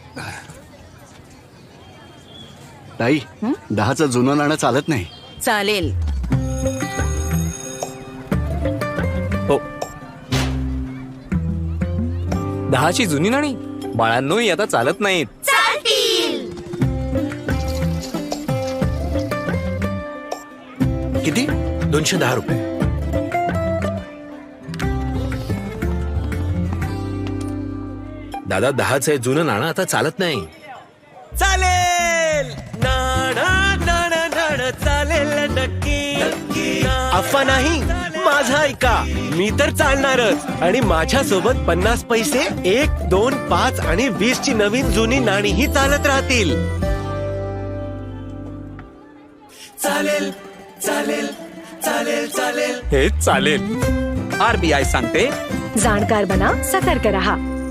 ताई, 10चं जुनं नाणं चालत नाही. चालेल. हो, 10ची जुनी नाणी बाळांनो आता चालत नाहीत. किती? 210 रुपये. दादा 10चं जुनं नाणं आता चालत नाही. चालेल नाणं नाणं नाणं चालेल नक्की. अफवा नाही, माझा ऐका. मी तर चालणारच. आणि माझ्या सोबत 50 पैसे, 1, 2, 5 आणि 20 ची नवीन जुनी नाणीही चालत राहतील. चालेल चालेल चालेल चालेल. हे चालेल. RBI सांगते, जाणकार बना, सतर्क रहा.